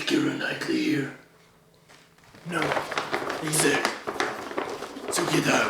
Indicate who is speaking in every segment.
Speaker 1: Keira Knightley here? No, he's there. So get out.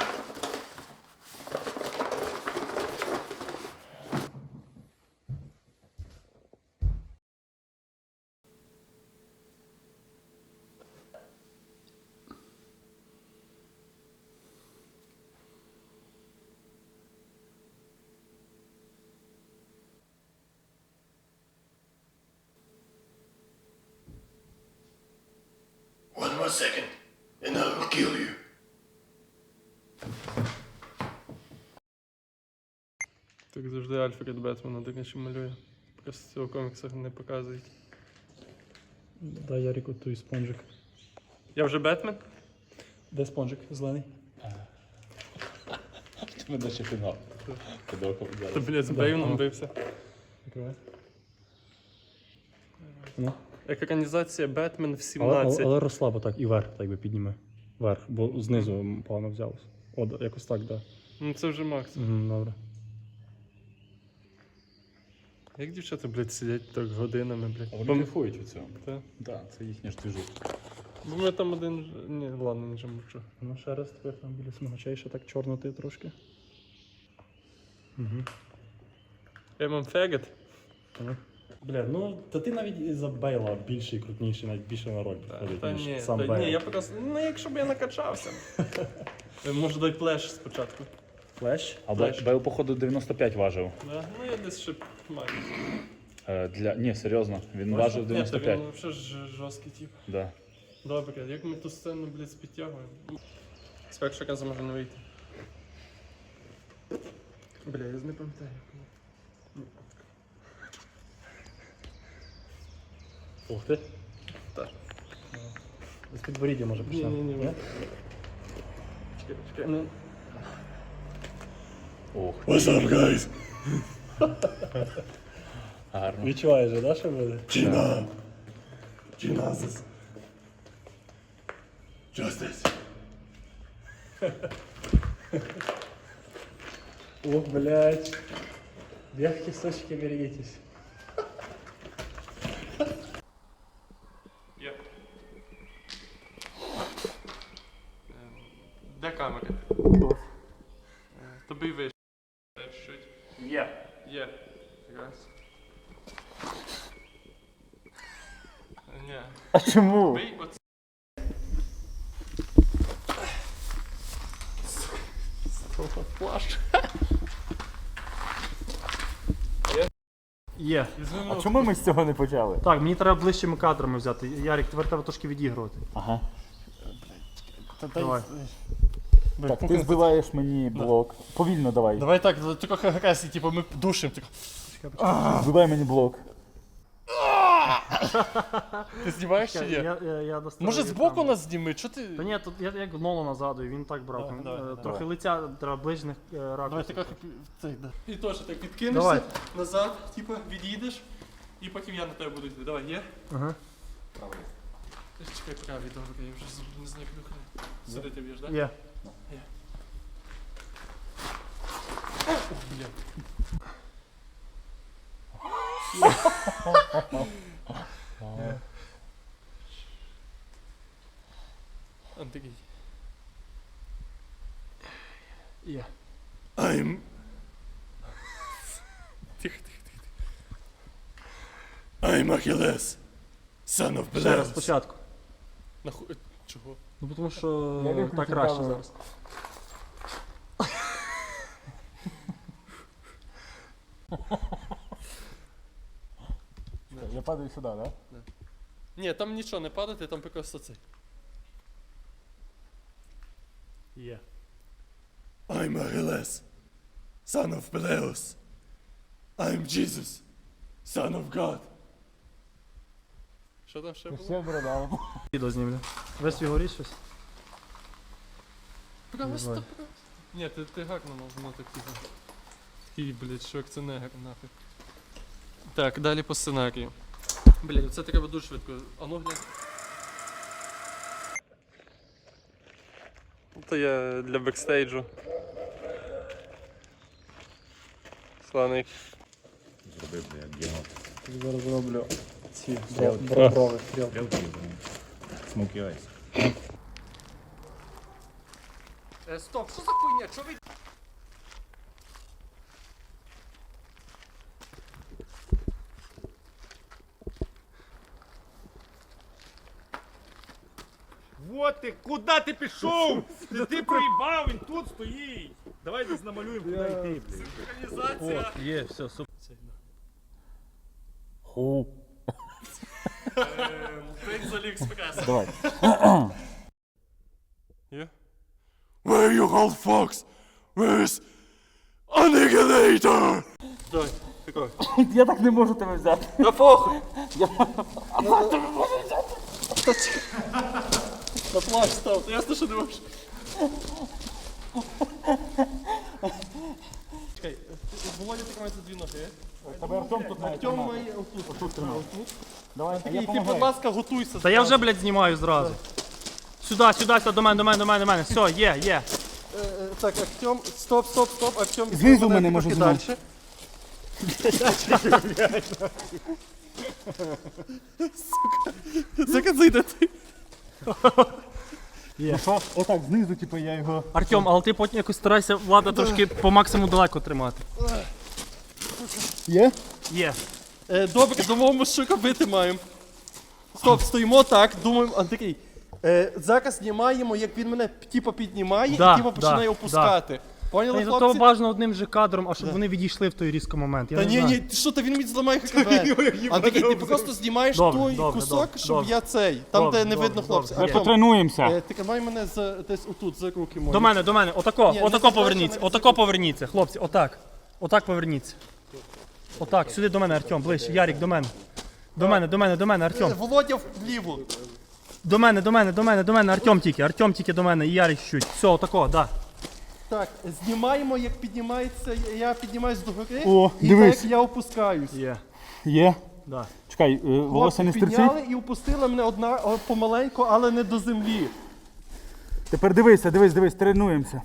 Speaker 1: One more second, and I will kill you.
Speaker 2: Так завжди Альфред Бетмена таке ще малює. Просто цього в коміксах не показують.
Speaker 3: Дай Ярику той спонжик.
Speaker 2: Я вже Бетмен?
Speaker 3: Де спонжик зелений?
Speaker 4: Ми далі фінал.
Speaker 2: Та, блядь, з Бейвном бився.
Speaker 3: Закривай. Ну.
Speaker 2: Екранізація Бетмен в
Speaker 3: Але,
Speaker 2: 17.
Speaker 3: але розслабо так, і вверх так би підніми. Вверх, бо знизу погано взялось. От, якось так, да.
Speaker 2: Ну це вже Макс.
Speaker 3: Добре.
Speaker 2: Як дівчата, блядь, сидять так годинами, блядь.
Speaker 4: Вони кайфують від цього.
Speaker 2: Та?
Speaker 4: Так, це їхня ж движуха.
Speaker 2: Бо ми там один... Ні, ладно, нічого мовчу.
Speaker 3: Ну ще раз тепер там біля смагачей ще так чорноти трошки.
Speaker 2: Я мам фегет.
Speaker 3: Бля, ну та ти навіть і за Бейла більший, крутніший, навіть більше на роль підходить,
Speaker 2: Та
Speaker 3: ніж
Speaker 2: ні,
Speaker 3: сам
Speaker 2: та
Speaker 3: Бейл.
Speaker 2: ні, я просто... Ну якщо б я накачався. Може дай плеш спочатку.
Speaker 3: Флеш?
Speaker 4: А
Speaker 2: Флеш.
Speaker 4: Бейл, походу, 95 важив.
Speaker 2: Да? Ну я десь ще маю.
Speaker 4: Ні, серйозно, він важив
Speaker 2: Ні,
Speaker 4: 95.
Speaker 2: та він взагалі жорсткий тип.
Speaker 4: Да.
Speaker 2: Добре, як ми ту сцену, блядь, підтягуємо? З першого разу може не вийти. Бля, я не пам'ятаю.
Speaker 3: Ух ти.
Speaker 2: Так.
Speaker 3: З підборіддя може почнемо.
Speaker 2: Ні. Чекай. Ну,
Speaker 4: Ох,
Speaker 1: What's up, guys?
Speaker 4: гарно.
Speaker 3: Відчуваєш же, да, що буде?
Speaker 1: Gina. Genesis. Justice.
Speaker 3: Ох, блядь. Мягкие сочки, берегитесь.
Speaker 2: є. Де камери? Тобі вийшло. Чуть.
Speaker 3: Є.
Speaker 2: Є. Раз. Ні.
Speaker 4: А чому?
Speaker 2: Бий оце. Плащ.
Speaker 3: Є.
Speaker 4: А чому ми з цього не почали?
Speaker 3: Так, мені треба ближчими кадрами взяти. Ярик, тепер треба трошки відігрувати.
Speaker 4: Ага.
Speaker 3: Давай.
Speaker 4: Так, ти збиваєш мені блок. Повільно давай.
Speaker 2: Давай так, тільки якраз, типу, ми душимо.
Speaker 4: Збивай мені блок.
Speaker 2: Ти знімаєш чи ні?
Speaker 3: Я доставлю
Speaker 2: Може збоку
Speaker 3: камеру.
Speaker 2: нас зніми? Чого ти?
Speaker 3: Та ні, тут я як Нолана згадую, він так брав. Трохи лиця треба ближних
Speaker 2: Давай
Speaker 3: ракурсів.
Speaker 2: так, І теж так відкинешся
Speaker 3: Давай.
Speaker 2: назад, типу, від'їдеш, і потім я на тебе буду йти. Давай, є?
Speaker 3: Ага.
Speaker 2: Чекай, правий, добре, я вже не знаю, як духати. Сюди ти б'єш, так?
Speaker 3: Є.
Speaker 2: Ух, бля. Он такий.
Speaker 3: Є.
Speaker 1: I'm
Speaker 2: Тихо, тихо, тихо.
Speaker 1: I'm Achilles, son of
Speaker 3: Ще раз
Speaker 1: Peleus.
Speaker 3: спочатку.
Speaker 2: Нахуй. Чого?
Speaker 3: Ну тому що так краще зараз.
Speaker 4: Я падаю сюди, так?
Speaker 2: Ні, там нічого не падати, там просто цей.
Speaker 3: Є.
Speaker 1: I'm Achilles, son of Peleus. I'm Jesus, son of God.
Speaker 2: Що там ще було?
Speaker 4: Все борода.
Speaker 3: Відео знімлю. Весь його річ щось.
Speaker 2: Просто. Ні, ти гарно мав, воно так типу. Такий, блядь, Шварценеггер нафиг. Так, далі по сценарію. Блядь, це треба дуже швидко. А ну глянь. Це я для бекстейджу. Сланик.
Speaker 4: Зроби, блядь, діно.
Speaker 3: Зараз зроблю ці брови, стрілки.
Speaker 4: Смокі айс.
Speaker 2: Стоп, що за хуйня? Чо ви...
Speaker 5: Вот ти, куди ти пішов? Ти проїбав, він тут стоїть. Давай десь намалюємо, куди йти, блядь.
Speaker 2: Синхронізація.
Speaker 5: Є, все, супер.
Speaker 4: Ху.
Speaker 2: День з Аліекспресу.
Speaker 4: Давай.
Speaker 1: Where you hold fox? Where's Annihilator?
Speaker 2: Давай, такой.
Speaker 4: Я так не можу тебе взяти.
Speaker 2: Да похуй. На плащ став, то ясно, що не можеш. Чекай, Володя тримає за дві ноги.
Speaker 4: Тебе Артем тут має
Speaker 2: Артем
Speaker 4: тримати.
Speaker 2: має отут.
Speaker 4: Давай,
Speaker 2: І
Speaker 4: я
Speaker 2: ти, будь
Speaker 4: помагаю.
Speaker 2: ласка, готуйся.
Speaker 5: Та я вже, блядь, знімаю зразу. Сюди, сюди, сюди, до мене. Все, є.
Speaker 2: Так, Артем, стоп, Артем.
Speaker 4: Знизу мене може
Speaker 2: далі. Сука, зайде ти.
Speaker 4: Ну що? Отак, знизу, типу, я його...
Speaker 5: Артем, але ти потім якось старайся влада трошки по максимуму далеко тримати.
Speaker 4: Є?
Speaker 5: Є.
Speaker 2: Добре, думаємо, що робити маємо. Стоп, стоїмо так, думаємо, Андрій. Зараз знімаємо, як він мене типу піднімає
Speaker 5: Да,
Speaker 2: і типу починає
Speaker 5: да,
Speaker 2: опускати. Поняли,
Speaker 5: Та й
Speaker 2: хлопці?
Speaker 5: бажано одним же кадром, а щоб вони відійшли в той різкий момент. Я
Speaker 2: Та
Speaker 5: не
Speaker 2: ні,
Speaker 5: знаю.
Speaker 2: ні, ти що, та він мені зламає ХКБ. Андрій, ти просто знімаєш
Speaker 5: Добре,
Speaker 2: той
Speaker 5: добре,
Speaker 2: кусок,
Speaker 5: добре,
Speaker 2: щоб
Speaker 5: добре.
Speaker 2: я цей, там
Speaker 5: Добре,
Speaker 2: де не
Speaker 5: добре,
Speaker 2: видно
Speaker 5: добре.
Speaker 2: хлопця.
Speaker 5: Ми
Speaker 2: Артем,
Speaker 4: Потренуємося.
Speaker 2: тримай мене десь отут, за руки мої.
Speaker 5: До мене, отако,
Speaker 2: Ні, не
Speaker 5: отако
Speaker 2: задача,
Speaker 5: поверніться,
Speaker 2: не
Speaker 5: отако поверніться, хлопці, отак. Отак поверніться. Отак, сюди до мене, Артем, ближче. Ярік, до мене. До мене, Артем.
Speaker 2: Володя вліво.
Speaker 5: До мене, Артем тільки до мене, і Ярик чуть. Все, отако, да.
Speaker 2: Так, знімаємо, як піднімається, я піднімаюсь до гори,
Speaker 4: О,
Speaker 2: і
Speaker 4: дивись.
Speaker 2: так як я опускаюсь.
Speaker 5: Є.
Speaker 4: Є?
Speaker 5: Да.
Speaker 4: Чекай, волосся не
Speaker 2: Хлопці
Speaker 4: стерчить?
Speaker 2: підняли і опустили мене помаленьку, але не до землі.
Speaker 4: Тепер дивись, тренуємося.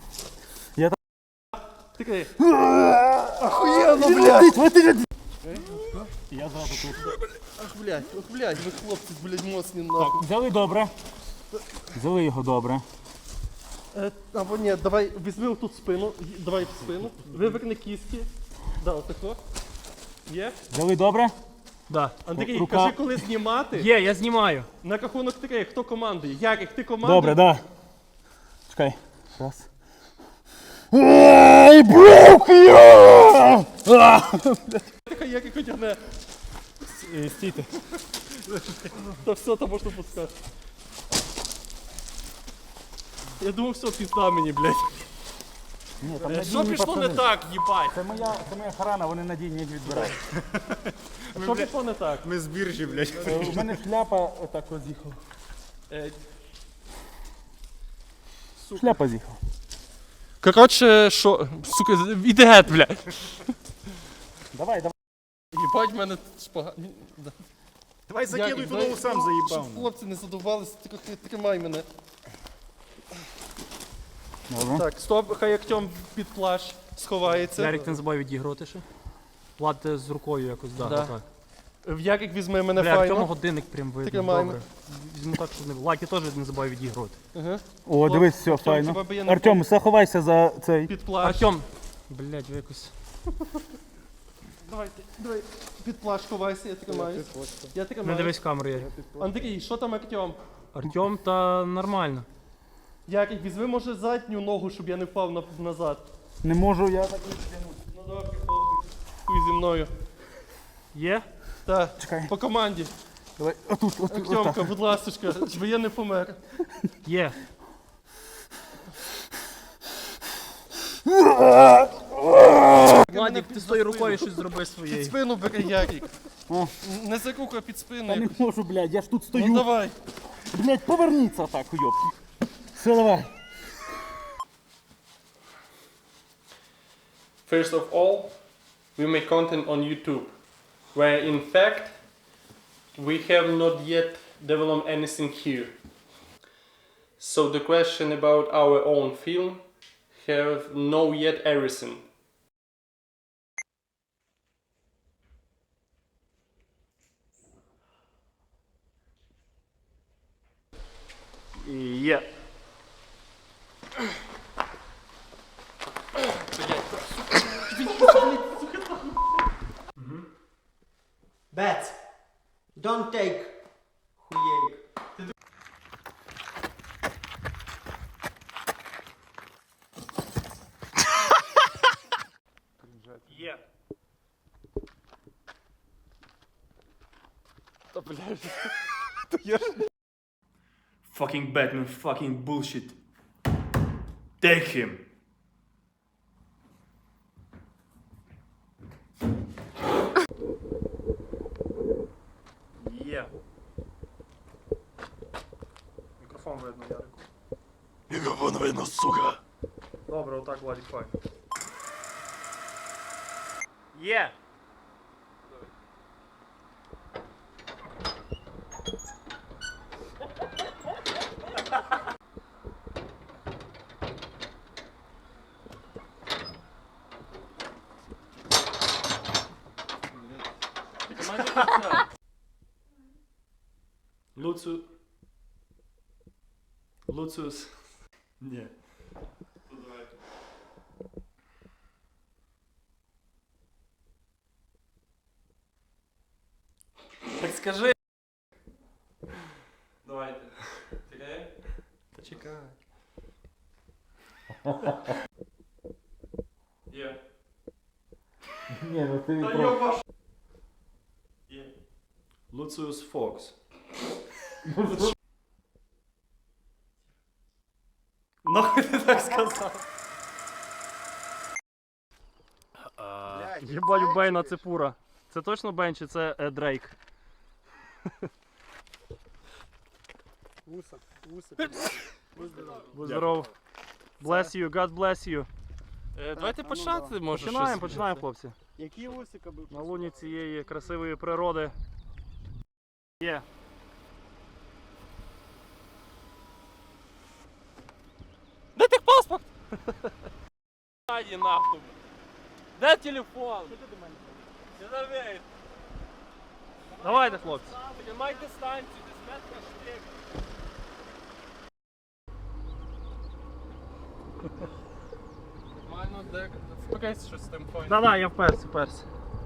Speaker 2: Такий. Охуєнно, блядь!
Speaker 4: Я зразу тут.
Speaker 2: Ах, блядь, ви хлопці, блядь, моцні нахуй.
Speaker 4: Взяли його добре.
Speaker 2: Або ні, давай, візьми отут спину, давай в спину, виверни кістки. Да, отако. Є?
Speaker 4: Взяли добре?
Speaker 5: Да.
Speaker 2: Андрій,
Speaker 4: Рука.
Speaker 2: кажи, коли знімати.
Speaker 5: Є, я знімаю.
Speaker 2: На рахунок 3, хто командує? Ярик, ти командуй?
Speaker 4: Добре, да. Чекай. Раз. I broke you!
Speaker 2: Тихо, Ярик одягне.
Speaker 4: Стійте.
Speaker 2: Та все, то можна пускати. Я думав, все, пізда мені, блядь.
Speaker 4: Ні, там
Speaker 2: Що
Speaker 4: надійні
Speaker 2: пішло не
Speaker 4: пацани.
Speaker 2: так, їбать?
Speaker 4: Це моя охорона, вони надійні їх відбирають.
Speaker 2: Що пішло не так?
Speaker 5: Ми з біржі, блядь.
Speaker 4: У мене шляпа отак от з'їхала.
Speaker 2: Е,
Speaker 4: Шляпа з'їхала.
Speaker 2: Коротше, що, сука, іди геть, блядь.
Speaker 4: Давай.
Speaker 2: Їбать, в мене шпага.
Speaker 5: Давай
Speaker 2: Ярик, дай- Щоб хлопці не задувалися, тільки тримай мене.
Speaker 4: Добре.
Speaker 2: Так, стоп, хай Артем під плащ сховається.
Speaker 5: Ярик, ти не забувай відігрувати ще. Влад з рукою якось, да,
Speaker 2: Да.
Speaker 5: отак.
Speaker 2: Ярик візьме мене
Speaker 5: Бля, в
Speaker 2: файно.
Speaker 5: цьому годинник прям видно,
Speaker 2: Тримаємо.
Speaker 5: добре. Візьму так, щоб не... Влад, ти теж не забувай відігрувати.
Speaker 2: Ага.
Speaker 4: О, дивись, все,
Speaker 2: Артем, тебе
Speaker 4: файно.
Speaker 2: би я не
Speaker 4: Артем, заховайся за цей.
Speaker 2: Під плащ.
Speaker 5: Артем! Блядь, ви якось...
Speaker 2: Давай, під плащ ховайся, я тримаюсь. Я
Speaker 5: Не
Speaker 2: тримаюсь.
Speaker 5: дивись в камеру, Ярик.
Speaker 2: Андрій, що там Артем?
Speaker 5: Артем, та нормально.
Speaker 2: Ярик, візьми, може, задню ногу, щоб я не впав назад.
Speaker 4: Не можу, я так.
Speaker 2: Ну добре, хлопці. Хуй зі мною.
Speaker 5: Є?
Speaker 2: Так,
Speaker 4: Чекай.
Speaker 2: по команді.
Speaker 4: Давай, отут.
Speaker 2: Артемка, будь ласочка, щоб я не помер.
Speaker 5: Є. Владик, ти з тою рукою щось зроби
Speaker 2: Під
Speaker 5: своєю.
Speaker 2: спину бери, Ярик.
Speaker 4: О.
Speaker 2: Не за руку, а під спину.
Speaker 4: Я не
Speaker 2: якось.
Speaker 4: можу, блядь, я ж тут
Speaker 2: Ну
Speaker 4: стою.
Speaker 2: давай.
Speaker 4: Блядь, поверніться так, уйобки. Все, давай.
Speaker 2: First of all, we make content on YouTube, where in fact we have not yet developed anything here. So the question about our own film have no yet everything. Є.
Speaker 6: Bet. Don't take. Хуєк.
Speaker 2: Є.
Speaker 1: Fucking Batman, fucking bullshit. Take him.
Speaker 2: Є. Мікрофон видно, Ярику.
Speaker 1: Мікрофон видно, сука.
Speaker 2: Добре, отак, Владик, файн. Є.
Speaker 1: Луциус. Ні.
Speaker 2: Так скажи. Давайте. Чекай. Та чекай. Є.
Speaker 4: Ні, ну ти
Speaker 2: Та
Speaker 4: про...
Speaker 2: йоба. Є.
Speaker 1: Луциус Фокс.
Speaker 2: Нахуй ти так сказав? Єбать, у Бейна це пура. Це точно Бейн чи це Дрейк?
Speaker 5: Вуса.
Speaker 2: Будь здоров. Bless you, God bless you. Давайте починати, може. Починаємо, хлопці.
Speaker 5: Які вусика був?
Speaker 2: На луні цієї красивої природи. Є. Де техпаспорт? Ані нахуй. Де телефон? Давайте, хлопці. Тримай дистанцію, десь метра штрик. Нормально, де? Впикайся щось з тим файном. Да, я вперся.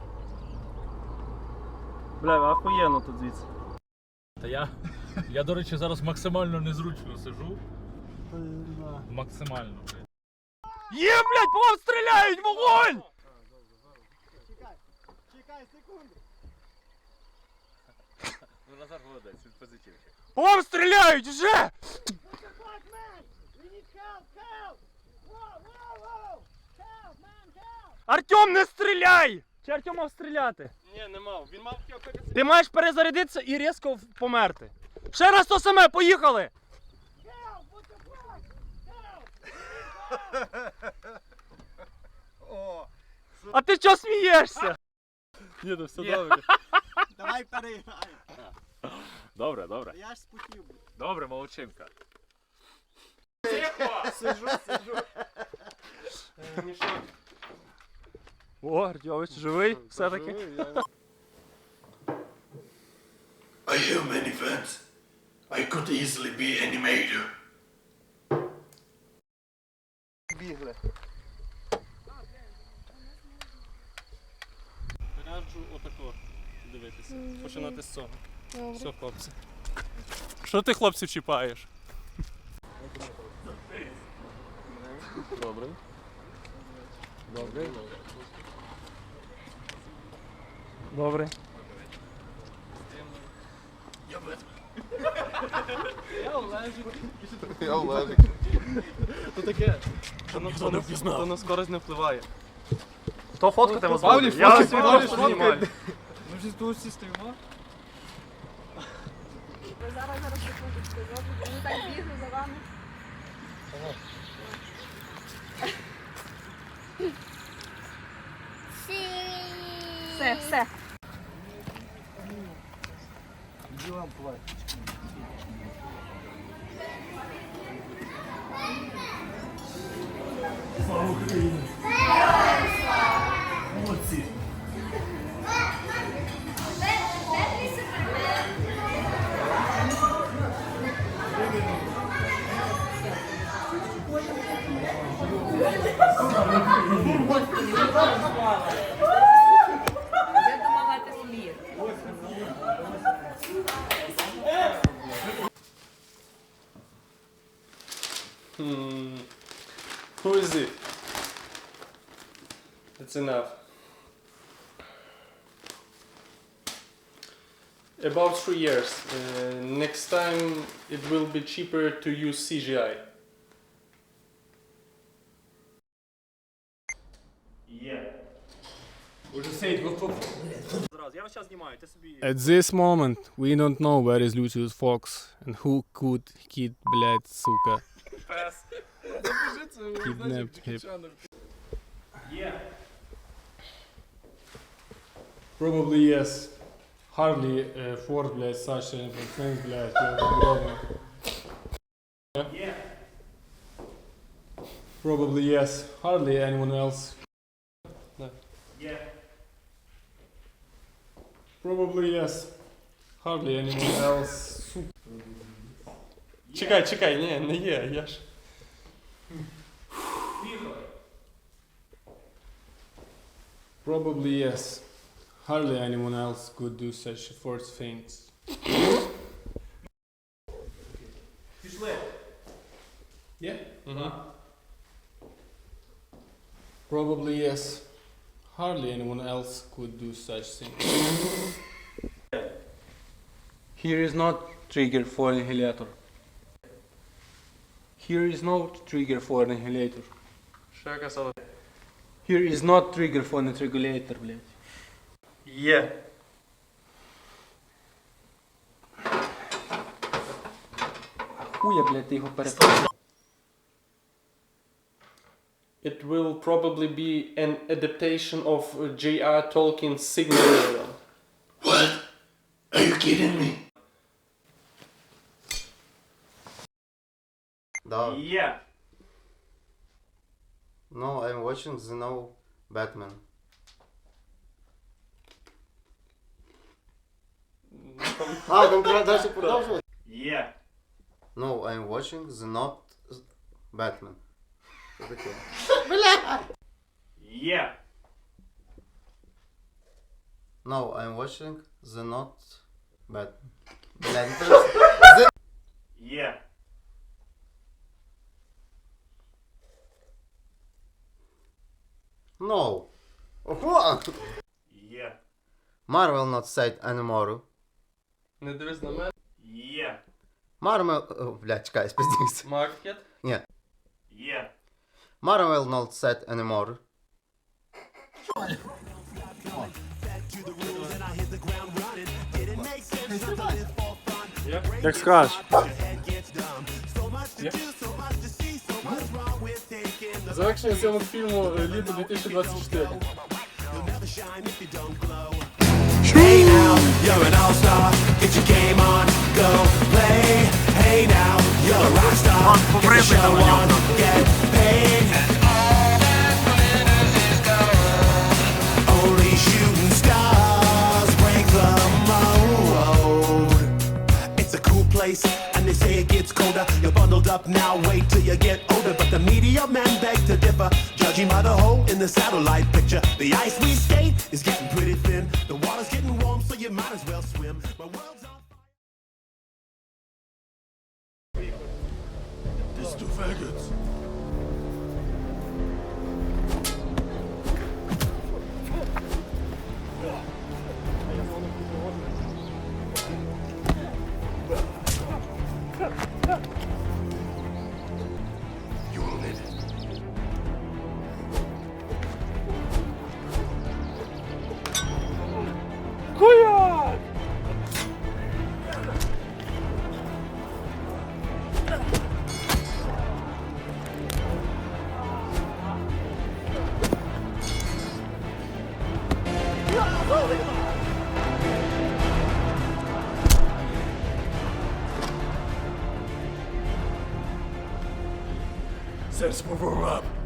Speaker 2: Бля, охуєнно тут звідси.
Speaker 7: Та я, до речі, зараз максимально незручно сижу. Максимально, блядь.
Speaker 2: Є, блядь, по вам стріляють, вогонь!
Speaker 5: Чекай, секунду.
Speaker 7: Ну, Назар молодець, він позитивчик.
Speaker 2: По вам стріляють, вже! Артем, не стріляй! Чи Артем мав стріляти? Ні, не мав. Він мав перезарядитися. Ти маєш перезарядитися і різко померти. Ще раз то саме, поїхали! А ти чого смієшся? Ні, ну все добре.
Speaker 5: Давай переіграємо.
Speaker 7: Добре.
Speaker 5: Я ж спутів.
Speaker 7: Добре, молодчинка.
Speaker 2: Сижу. О, Артемович, живий все-таки?
Speaker 1: I have many fans. I could easily be animator.
Speaker 2: Бігли. Раджу отако дивитися. Починати з цього. Все, хлопці. Що ти, хлопців, чіпаєш? Добре.
Speaker 8: Я Олежик.
Speaker 2: То таке. То на скорость не впливає. Хто фоткати вас буде? Я свій просто знімаю.
Speaker 8: Ми вже тут всі стоїмо.
Speaker 9: Зараз секундочку, вони так бігли за вами. Все.
Speaker 1: Молодці.
Speaker 2: is it? That's enough. About 3 years. Next time it will be cheaper to use CGI.
Speaker 1: At this moment, we don't know where is Lucius Fox and who could kid, блядь, сука. Kidnapped him.
Speaker 10: Probably yes. Hardly Ford, блядь, Саша, Friends, блядь, угодно. Yeah. Probably yes. Hardly anyone else.
Speaker 2: Yeah.
Speaker 10: Probably yes. Hardly anyone else.
Speaker 2: Чекай, не є, я ж.
Speaker 10: Probably yes. Hardly anyone else could do such forced things. Yeah? Probably yes. Hardly anyone else could do such things.
Speaker 1: Here is not trigger for inhalator. Here is no trigger for inhalator.
Speaker 2: Що я казав?
Speaker 1: Here is not trigger for nitrogulator, блядь.
Speaker 2: Є.
Speaker 1: Хуя, блядь, ти його переписав.
Speaker 2: It will probably be an adaptation of J.R. Tolkien's Silmarillion.
Speaker 1: What? Are you kidding me?
Speaker 6: Да.
Speaker 2: Yeah.
Speaker 6: No, I'm watching the new Batman. Там дальше продовжувати?
Speaker 2: Yeah.
Speaker 6: No, I'm watching the not Batman. Що таке?
Speaker 2: Yeah.
Speaker 6: No, I'm watching the not Batman.
Speaker 2: Yeah.
Speaker 6: No. Ого!
Speaker 2: Yeah.
Speaker 6: Marvel not said anymore.
Speaker 2: Не дивись на мене. Yeah.
Speaker 6: Marvel... Блядь, чекай, спиздився.
Speaker 2: Market.
Speaker 6: Ні.
Speaker 2: Yeah.
Speaker 6: Marvel not said anymore.
Speaker 3: Як скажеш.
Speaker 10: Завершення цього фільму літо 2024.
Speaker 11: Hey now, you're an all-star. Get your game on, go play. Hey now, you're a rock star. Get the show on, get paid. Only shooting stars break the mold. It's a cool place, and they say it gets colder. You're bundled up now, wait till you get older. But the media men beg to differ, judging by the hole in the satellite picture. The ice we skate is getting pretty thin. The water's getting warm, so you might as well swim. My world's on
Speaker 1: These two faggots. You will live. Sensible warm up.